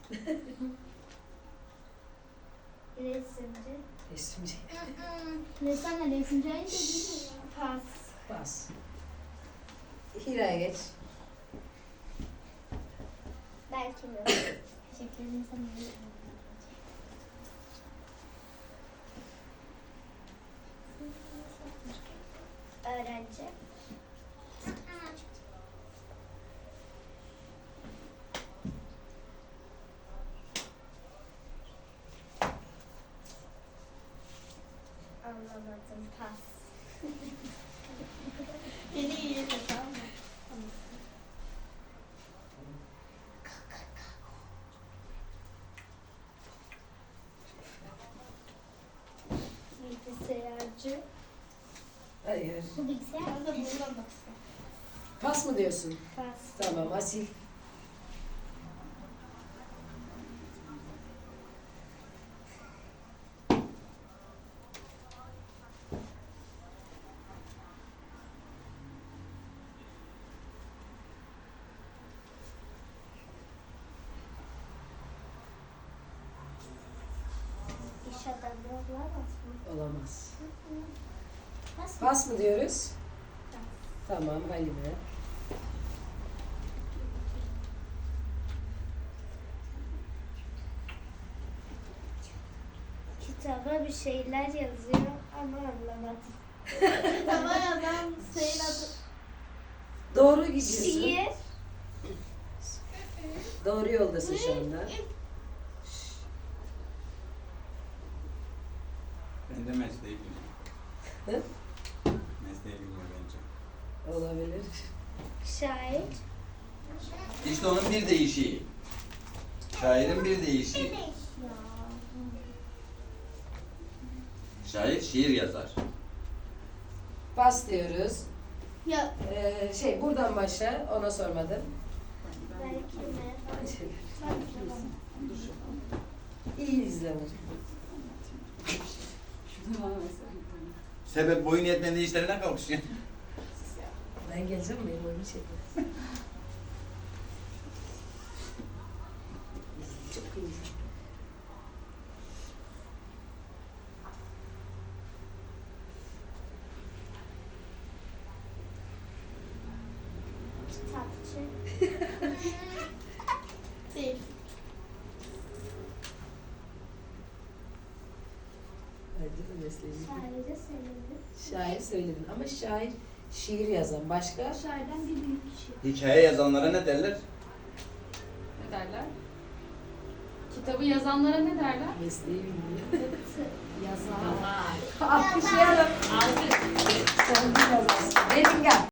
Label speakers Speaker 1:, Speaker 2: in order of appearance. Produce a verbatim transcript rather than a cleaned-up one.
Speaker 1: Resimci.
Speaker 2: Resimci.
Speaker 1: Ressamla resimci aynı şey değil mi? Pas.
Speaker 2: Bas. Hira'ya geç.
Speaker 1: Belki mi? Teşekkür ederim sana. Öğrenci. Anlamadım. Pas.
Speaker 3: Beni iyi de tamam mı?
Speaker 1: Bilgisayarcı.
Speaker 2: Hayır.
Speaker 1: Bu bilgisayar.
Speaker 3: Ben de buradan baksam.
Speaker 2: Pas mı diyorsun?
Speaker 1: Pas.
Speaker 2: Tamam, Asil.
Speaker 1: İş adamı olamaz mı?
Speaker 2: Olamaz.
Speaker 1: Pas.
Speaker 2: Pas mı diyoruz? Tamam, Halime.
Speaker 1: Kitaba bir şeyler yazıyor ama anlamadım.
Speaker 3: Kitaba yazan şeyin adı.
Speaker 2: Doğru gidiyorsun.
Speaker 1: Şiir.
Speaker 2: Doğru yoldasın şu anda.
Speaker 4: Ben de mesleği bilmiyorum.
Speaker 2: Hı?
Speaker 4: Mesleği bilmiyorum bence.
Speaker 2: Olabilir.
Speaker 1: Şair.
Speaker 4: İşte onun bir değişiği. Şairin bir değişiği. Şair şiir yazar.
Speaker 2: Pas diyoruz.
Speaker 3: Ya
Speaker 2: Ee, şey, buradan başla. Ona sormadım.
Speaker 1: Belki mi?
Speaker 2: İyi izle.
Speaker 4: Sebep boyun yetmediği işlerine kalkışıyor.
Speaker 2: Ben geleceğim, benim oyunu çekin. Çok iyi.
Speaker 1: Kitapçı.
Speaker 3: değil.
Speaker 2: Bence de mesleği.
Speaker 1: Şairi söyledim.
Speaker 2: Şair söyledin ama şair şiir yazan başka?
Speaker 1: Şairden bir büyük kişi.
Speaker 4: Hikaye yazanlara ne derler?
Speaker 5: Ne derler? Kitabı yazanlara ne derler?
Speaker 2: Mesleği bilmiyor.
Speaker 1: Yazar.
Speaker 2: Alkışlayalım.
Speaker 5: Alkış.
Speaker 2: Sen bir yazarsın. Benim gel.